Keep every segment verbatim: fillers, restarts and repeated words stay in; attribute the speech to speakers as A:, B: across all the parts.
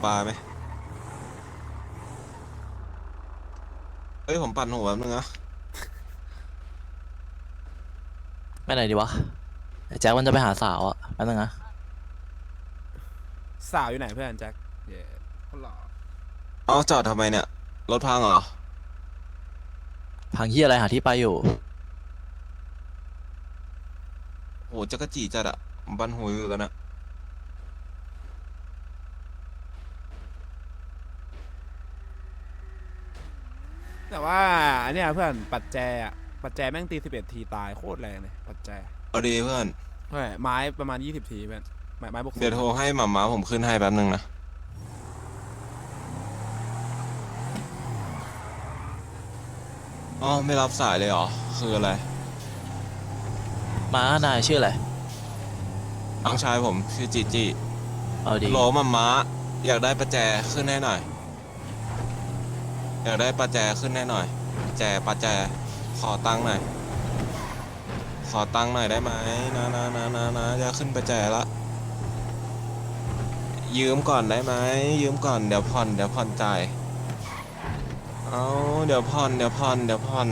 A: ปลาไหมเฮ้ยผมปั่นหัวแป๊บนึงนะ
B: ไปไหนดีวะไอ้แจ็คมันจะไปหาสาวอ่ะแป๊บนึงนะ
C: สาวอยู่ไหนเพื่อนแจ็คเย้คนหล่อ
A: เอาจอดทำไมเนี่ยรถพังเหรอ
B: พังเฮียอะไรหาที่ไปอยู่
A: โหจักรจีจัดอะผมปั่นหัวอยู่กันนะ
C: แต่ว่าอันเนี้ยเพื่อนปัดแจอะปัดแจแม่งตีสิบเอ็ดทีตายโคตรแรงเลยปัดแจ
A: เอาดีเพื่อน
C: เฮ้ยไม้ประมาณยี่สิบทีเพื่อนไม้ไม้บวกศู
A: เดี๋ยว
C: นย์
A: โทรให้หม่าม้าผมขึ้นให้แป๊บนึงนะอ๋อไม่รับสายเลยเหรอคืออะไร
B: ม้านายชื่ออะไร
A: น้องชายผมชื่อจีจี
B: เอาดี
A: โหลหม่าม้าอยากได้ประแจขึ้นให้หน่อยอยากได้ประแจขึ้นให้หน่อยแจประแจขอตังค์หน่อยขอตังค์หน่อยได้ไหมนะนะนะนะนะจะขึ้นประแจละยืมก่อนได้ไหมยืมก่อนเดี๋ยวผ่อนเดี๋ยวผ่อนจ่าย เอาเดี๋ยวผ่อนเดี๋ยวผ่อนเดี๋ยวผ่อน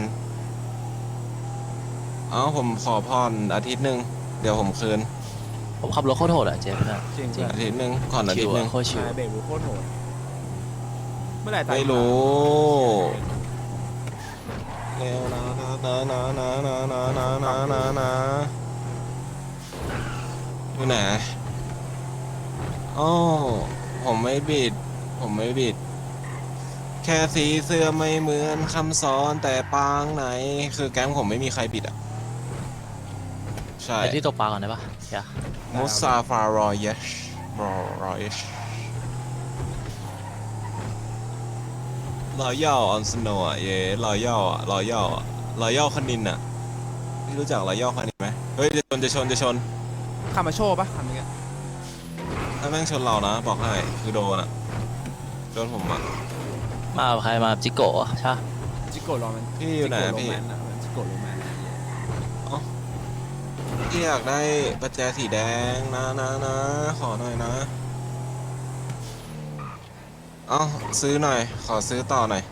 A: เอาผมขอผ่อนอาทิตย์หนึ่งเดี๋ยวผมคืน
B: ผมขับรถโคตรโหดอ่ะเจ๊เพื่อน
C: จริง
B: จริง
C: เพื่อน
A: อาทิตย์หนึ่งผ่อนอา
B: ชิว
A: ทิตย์หนึ่ง
B: อ่ะโคตรชิว
C: นายเบรกบูโคตรโหดเมื่อไหร่ตาย
A: ไม่รู้เร็วนะนะนะนะนะนะนะนะนะนะนะอยู่ไหนอ๋อผมไม่บิดผมไม่บิดแค่สีเสื้อไม่เหมือนคำสอนแต่ปางไหนคือแก๊งผมไม่มีใครบิดอ่ะใช่
B: ไปที่ตกปลาก่อนได้ปะเฮีย
A: มุสซาฟารอยชรอรอยช รอยัลออนสโนอ่ะเย่รอยัลอ่ะรอยัลอ่ะรอยัลคณินอ่ะพี่รู้จักรอยัลคณินไหมเฮ้ยจะชนจะชนจะชน
C: ขับมาโชว์ปะคันนี้
A: ถ้าแม่งชนเรานะบอกให้คือโดนอ่ะโดนผมอ่ะ
B: มากับใครมาจิโกะใช่ปะ
C: จิโกะโรแมน
A: พี่อยู่ไหน
C: จิโกะโร
A: พี่
C: แมนอะจิโกะโรแมน
A: อ๋อพี่อยากได้ประแจสีแดงนะนะนะขอหน่อยนะเอ้าซื้อหน่อยขอซื้อต่อหน่อย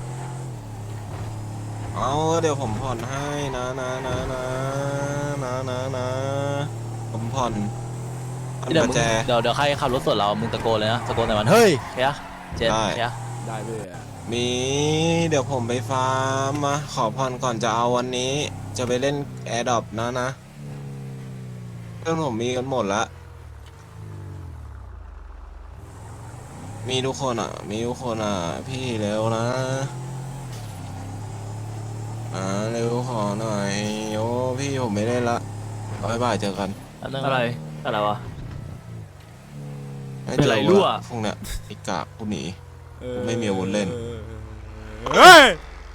A: เอาเดี๋ยวผมผ่อนให้นะนะนะนะนะนะนะผมผ่อนผ่อน
B: เดี๋ยวมึง
A: ประแจ
B: เดี๋ยวเดี๋ยวใครขับรถสวนเรามึงตะโกนเลยนะตะโกนแต่มันเฮ้ยเฮียเจ๊
A: ได้
B: เฮีย
C: ได้เพื่อน
A: มีเดี๋ยวผมไปฟาร์มมาขอพรก่อนจะเอาวันนี้จะไปเล่นแอร์ดรอปนะนะเพื่อนผมมีกันหมดละมีทุกคนอ่ะมีทุกคนอ่ะพี่เร็วนะอ่าเร็วขอหน่อยโอ้พี่ผมไม่เล่นละบ๊ายบายเจอกัน
B: แป๊บนึง
D: อะไรอะไรวะ
A: ไม่
D: เป็น
A: เจอ
D: ไรรั่ว
A: พวกเนี้ยไอ้กากกูหนี
C: เออ
A: กูไม่มีอาวุธเล่น
C: เฮ้ย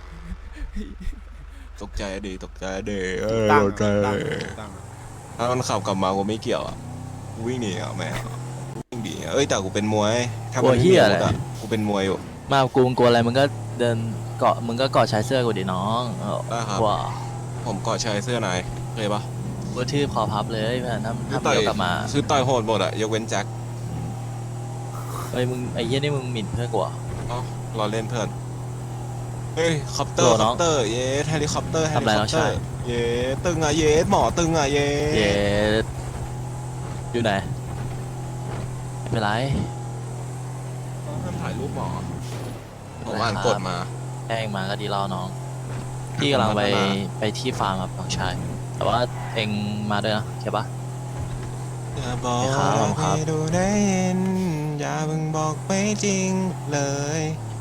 A: ตกใจอะดีตกใจอะดีเออ
C: ตั้ง
A: ตกใจ
C: ตั้ง
A: อะ
C: ตั้ง
A: ถ้ามันขับกลับมากูไม่เกี่ยวอ่ะกูวิ่งหนีอ่ะแม่วิ่งหนีอะเอ้ยแต่กูเป็นมวยถ้ามันไม่มีอาวุธอ่ะกูเป็นมวยอยู่
B: มากับกูมึงกลัวอะไรมึงก็เดินเกาะมึงก็เกาะชายเสื้อกูดิน้องเออ
A: ได้ครับ
B: ว้า
A: ผมเกาะชายเสื้อนายเคยปะ
B: กูทืบคอพับเลยเพื่อนถ้า
A: คือ
B: ถ้ามึง
A: ต่อย
B: เดี๋ยวกลับมา
A: คือต่อยโหดหมดอะยกเว้นแจ็ค
B: เฮ้ยมึงไอ้เหี้ยนี่มึงหมิ่นเพื่อนกูเหรอ
A: อ๋อเราเล่นเพื่อนเฮ้ยคอปเตอร์
B: โหลน้อง
A: คอปเตอร์เย้เฮลิคอปเตอร์เฮ
B: ทำ
A: ลิ
B: ไร
A: คอ
B: น้
A: ป
B: อง
A: เตอ
B: ชาย
A: ร์เย้ตึงอะเย้หมอตึงอะเย้
B: เย้อยู่ไหนไม่เป็นไร
A: ห้ามถ่ายรูปหมอผ
B: ไม่เป็นไร
A: มอ่านกฎมา
B: แค่เองมาก็ดีแล้วน้องพี่กำลังไปไปที่ฟาร์มครับน้องชายแต่ว่าเองมาด้วยนะใช่ปะ
A: อย่าบอก
B: ไม่ครับผมครับ
A: ให้ดูได้ยินอย่าเพิ่งบอกไม่จริงเลย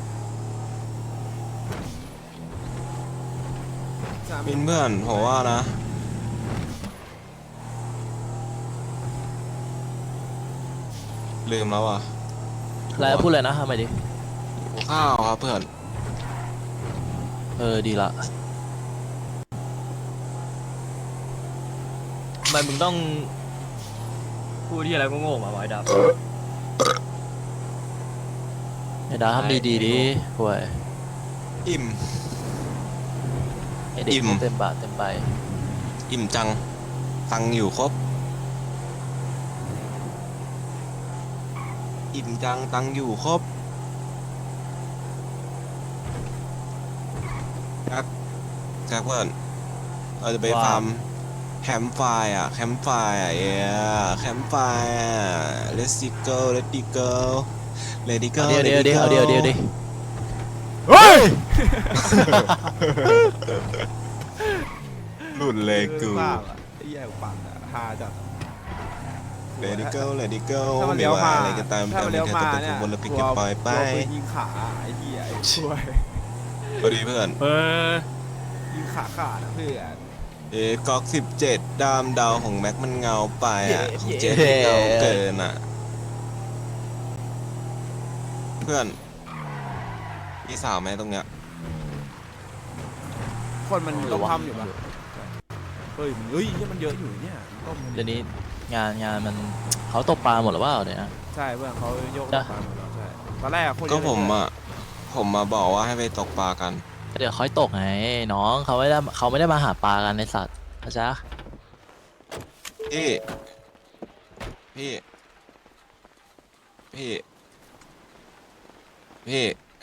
A: มินเพื่อนผมว่านะลืมแล้วอ่ะ
B: อะไรพูดเลยนะทำไมดิ
A: ข้าวครับเพื่อน
B: เออดีละ
D: ทำไมมึงต้องพูดที่อะไรก็โง่ๆมาไว้ดับ
B: ไอ้ดาทำดีดีดิห่วย
A: อิ่ม
B: ไอ้เด็ก
A: อิ่ม
B: เต็มบาทเต็มใบ
A: อิ่มจังตังค์อยู่ครบอิ่มจังตังอยู่ครบแจ็คแจ็คเพื่อนเราจะไป
D: ว่า
A: ฟาร์มแคมป์ไฟร์อ่ะแคมป์ไฟร์อ่ะเอ้แคมป์ไฟร์อ่ะ let's go let's go let's go
B: เดี๋ยวเดี๋ยวเดี๋ยวเดี๋ยวเดี๋ยวเดี๋ยว
C: เฮ้ย
A: หลุดเลยกู
C: บ้าอะไอ้แย่กูปั่นอะฮาจัด
A: let's go let's go
C: ถ้ามัน
A: ไม่
C: เลี้ยว
A: ว่า
C: มา
A: อะไรก็ตาม
C: ถ้า
A: แต่
C: มัน
A: ไม่
C: เลี้ยว
A: เธอ
C: มา
A: จะเป็น
C: เนี่
A: ค
C: ย
A: นบนรถปิก
C: กลั
A: เก็
C: ว
A: ตปล่อยไป
C: กลัวปืนยิงขาไอ้เหี้ยไอ้ช่วย
A: พอดีเพื่อน
D: เออ
C: ยิงขาขาดนะเพื่อน
A: เอ๊ะก๊อกสิบเจ็ดดามดาวของแม็กมันเงาไปอ่ะ
C: เย้
A: ของเจที่เงาเกินอ่ะ เพื่อนมีสาวไหมตรงเนี้ย
C: คนมัน
B: หรื
C: ต้
B: อ
C: ม
B: ว่า
C: ทำอยู่ปะเฮ้ยมันเฮ้ยเนี่ยมันเยอะอยู่เนี่ยต้มมัน
B: เดี๋ยวนี้งานงานมันเขาตกปลาหมดหรือเปล่าเนี่ยนะ
C: ใช่เพื่อนเขาโยก
B: จ้ะ
C: ตามหมดแล้วใช่ตอนแรกอะคนเย
A: ก็
C: อะเลย
A: ผมอ่ะ ผมมาบอกว่าให้ไปตกปลากัน
B: เดี๋ยวค่อยตกไงน้องเขาไม่ได้เขาไม่ได้มาหาปลากันในสัตว์เข้าใจปะ
A: พี่ พี่ พี่ พี่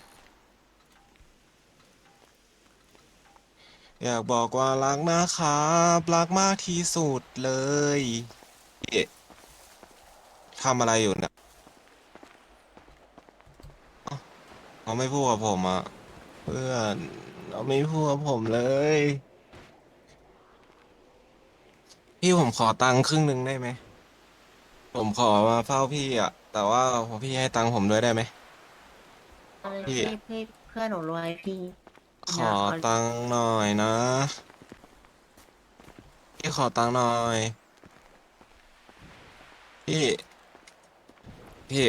A: อยากบอกว่ารักนะครับรักมากที่สุดเลยพี่ทำอะไรอยู่เนี่ยเอ้าเขาไม่พูดกับผมอ่ะ เพื่อนเขาไม่พูดกับผมเลย พี่ผมขอตังค์ครึ่งหนึ่งได้ไหม ผมขอมาเฝ้าพี่อ่ะ แต่ว่าพี่ให้ตังค์ผมด้วยได้ไหม
E: เอาเลย
A: พี่
E: พี่พี่เพื่อนหนูรวยพี่
A: ขอตังค์หน่อยนะ พี่ขอตังค์หน่อย พี่ พี่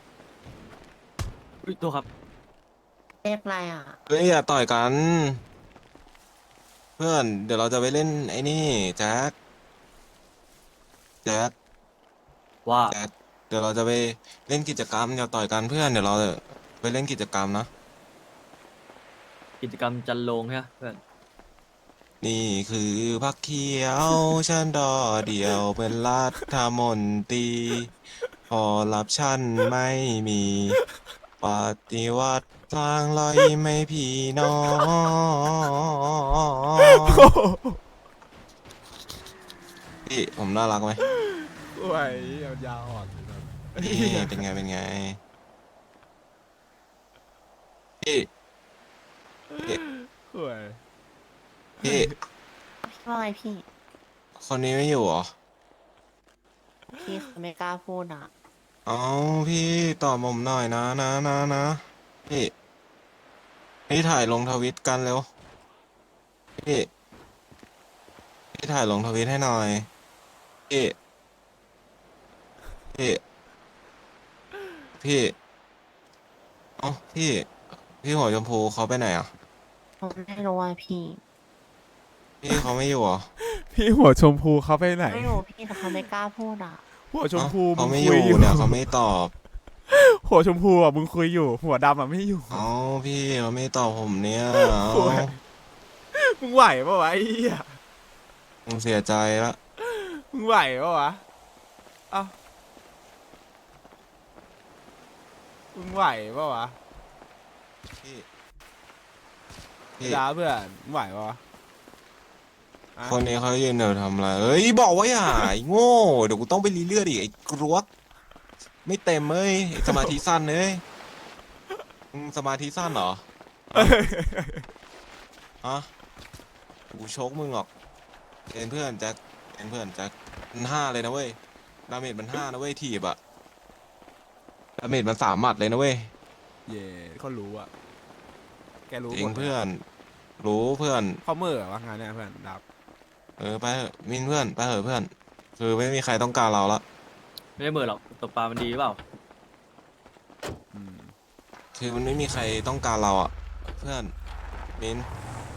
D: อุ๊ยตัวครับ
E: เรียกอะไรอ่ะ
A: เฮ้ยอย่าต่อยกัน เพื่อนเดี๋ยวเราจะไปเล่นไอ้นี่แจ็คแจ็ค
D: ว่า
A: แจ็คเดี๋ยวเราจะไปเล่นกิจกรรมอย่าต่อยกันเพื่อนเดี๋ยวเราจะไปเล่นกิจกรรมนะ
D: กิจกรรมจันโลงใช่ไหมเพื่อน
A: นี่คือพักเขียวฉันดอเดียวเป็นรัฐมนตรีพอรับฉันไม่มีปฏิวัติทางลอยไม่พี่น้องพี่ผมน่ารักไหม
C: โอ้ยยาวอ่อน
A: นี่เป็นไงเป็นไงพี่พี่
C: โอ้ย
A: พี่
E: พี่ว่าไงพี่
A: คนนี้ไม่อยู่เหรอ
E: พี่เขาไม่กล้าพูดอ่ะ
A: เอาพี่ตอบผมหน่อยนะนะนะนะพี่พี่ถ่ายลงทวิตกันเร็วพี่พี่ถ่ายลงทวิตให้หน่อยพี่พี่พี่เอ้าพี่พี่หัวชมพูเขาไปไหนอ่ะ
E: ผมไม่รู้ว่าพี่
A: พี่เขาไม่อยู่เหรอ
C: พี่หัวชมพูเขาไปไหน
E: ไม่รู้พี่แต่เขาไม่กล้าพูดอ่ะ
C: หัวชม
A: เอ้า
C: พูมึ
A: เขา
C: ง
A: ไม่อ
C: คุย
A: ยู่
C: อยู่
A: เนี่ยเขาไม่ตอบ
C: หัวชมพูอ่ะมึงคุยอยู่ หัวดำอ่ะไม่อยู่
A: เอ้าพี่เขาไม่ตอบผมเนี่ย
C: โอ้ย มึงไหวปะวะไอ้เหี้ย
A: ผมเสียใจละ
C: มึงไหวปะวะเอ้ามึงไหวปะวะ
A: พี่พี่
C: ดาเพื่อนมึงไหวปะวะอะ
A: คนนี้เขายืนเดี๋ยวทำอะไรเอ้ยบอกว่าอย่าไอ้โง่เดี๋ยวกูต้องไปรีเลือดอีกไอ้กรวกไม่เต็มเอ้ยไอ้สมาธิสั้นเอ้ยมึงสมาธิสั้นเหรอฮะกูชกมึงหรอกเป็นเพื่อนแจ็คเป็นเพื่อนแจ็คมันห้าเลยนะเว้ยดาเมจมันห้านะเว้ยทีบอะดาเมจมันสามหมัดเลยนะเว้ย
C: เย่เขารู้อ่ะ แกรู้
A: จริ
C: ห
A: ง
C: มด
A: เพื่อน รู้เพื่อน
C: เขาเมื่อวะงานเนี่ยเพื่อนดับ
A: เออไปเถอะมินเพื่อนไปเถอะเพื่อน คือไม่มีใครต้องการเราละ
D: ไม่ได้เหมือนหรอกตกปลามันดีหรือเปล่า
C: อืม
A: คือมันไม่มีใครต้องการเราอะเพื่อนมิน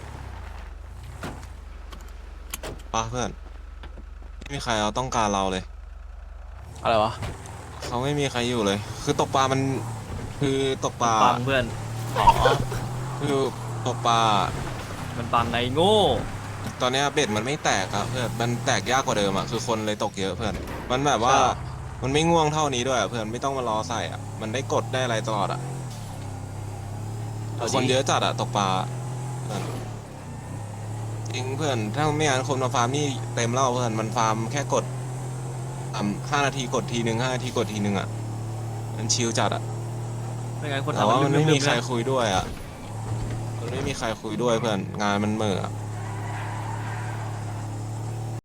A: ปะเพื่อนไม่มีใครเอาต้องการเราเลย
B: อะไรวะ
A: เขาไม่มีใครอยู่เลย คือตกปลามัน คือตกปลา
D: ปังเพื่อน
B: อ๋อ
A: คือตกปลา
D: มันปังไงโง่
A: ตอนเนี้ยเบ็ดมันไม่แตกอะเพื่อนมันแตกยากกว่าเดิมอะคือคนเลยตกเยอะเพื่อน มันแบบว่ามันไม่ง่วงเท่านี้ด้วยอะเพื่อนไม่ต้องมารอใส่อ่ะมันได้กดได้อะไรตลอดอ่ะ
B: เอาดิ
A: คนเยอะจัดอะตกปลาเพื่อนจริงเพื่อนถ้าไม่งั้นคนมาฟาร์มนี่เต็มแล้วเพื่อนมันฟาร์มแค่กดอ่ำห้านาทีกดทีหนึ่งห้านาทีกดทีหนึ่งอ่ะมันชิลจัดอ่ะ
D: ไม่งั้นคน
A: แต่
D: ทำ
A: ว่า
D: มั
A: มัน
D: น
A: ไม่
D: ลื
A: มี
D: มๆ
A: ใคร
D: นะ
A: คุยด้วยอ่ะมันไม่มีใครคุยด้วยเพื่อนงานมันเหม่ออะ